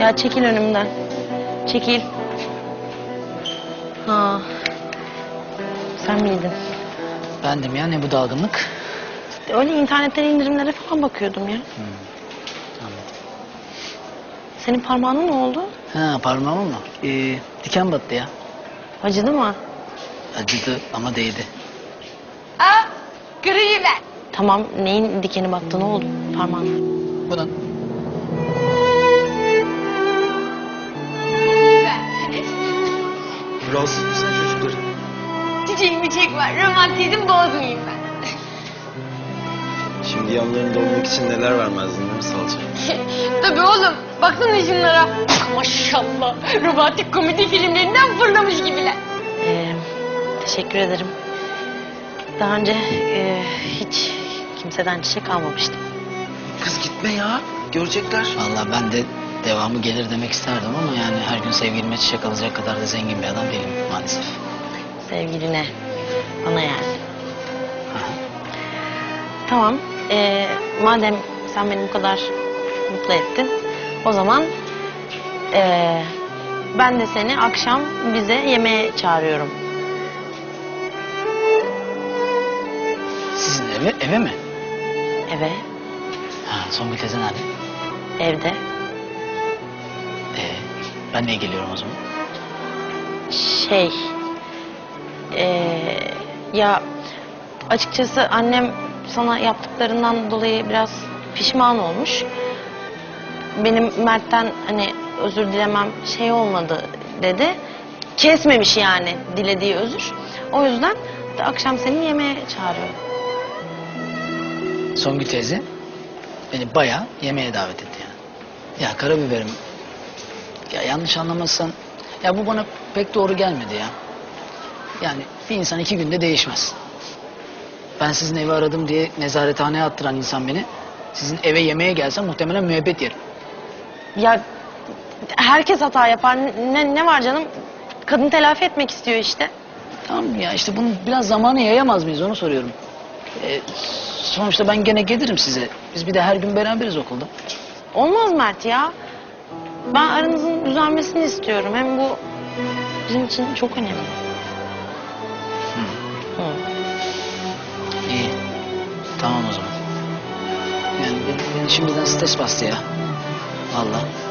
Ya çekil önümden. Çekil. Ha. Sen miydin? Bendim ya, ne bu dalgınlık? Öyle internetten indirimlere falan bakıyordum ya. Anladım. Senin parmağına ne oldu? Ha, parmağıma mı? Diken battı ya. Acıdı mı? Acıdı ama değdi. Aa, kırayım ben. Tamam, neyin dikeni battı, ne oldu parmağına? Bunun. Rahatsız mısın çocukları? Çiçeğimi çek var, romantizm bozmayayım ben. Şimdi yanlarında olmak için neler vermezdin değil mi Salça? Tabii oğlum, baksana şunlara. Maşallah, romantik komedi filmlerinden fırlamış gibiler. Teşekkür ederim. Daha önce hiç kimseden çiçek almamıştım. Kız gitme ya. Görecekler. Vallahi ben de devamı gelir demek isterdim ama yani her gün sevgilime çiçek alacak kadar da zengin bir adam değilim maalesef. Sevgiline, bana yani. Aha. Tamam, madem sen beni bu kadar mutlu ettin, o zaman ben de seni akşam bize yemeğe çağırıyorum. Sizin eve mi? Eve, Ha, Songül teyze nerede? evde. Ben niye geliyorum o zaman? Şey, ya açıkçası annem sana yaptıklarından dolayı biraz pişman olmuş. Benim Mert'ten hani özür dilemem şey olmadı dedi. Kesmemiş yani dilediği özür. O yüzden de akşam seni yemeğe çağırıyorum. Songül teyze beni bayağı yemeğe davet etti yani. Ya karabiberim, ya yanlış anlamazsan, ya bu bana pek doğru gelmedi ya. Yani bir insan 2 günde değişmez. Ben sizin evi aradım diye nezarethaneye attıran insan beni, sizin eve yemeğe gelsem muhtemelen müebbet yerim. Ya herkes hata yapar. Ne var canım? Kadın telafi etmek istiyor işte. Tamam ya, işte bunu biraz zamanı yayamaz mıyız, onu soruyorum. Sonuçta ben gene gelirim size. Biz bir de her gün beraberiz okulda. Olmaz Mert ya. Ben aranızın düzelmesini istiyorum. Hem bu bizim için çok önemli. Hı. İyi. Tamam o zaman. Yani beni şimdiden stres bastı ya. Vallahi.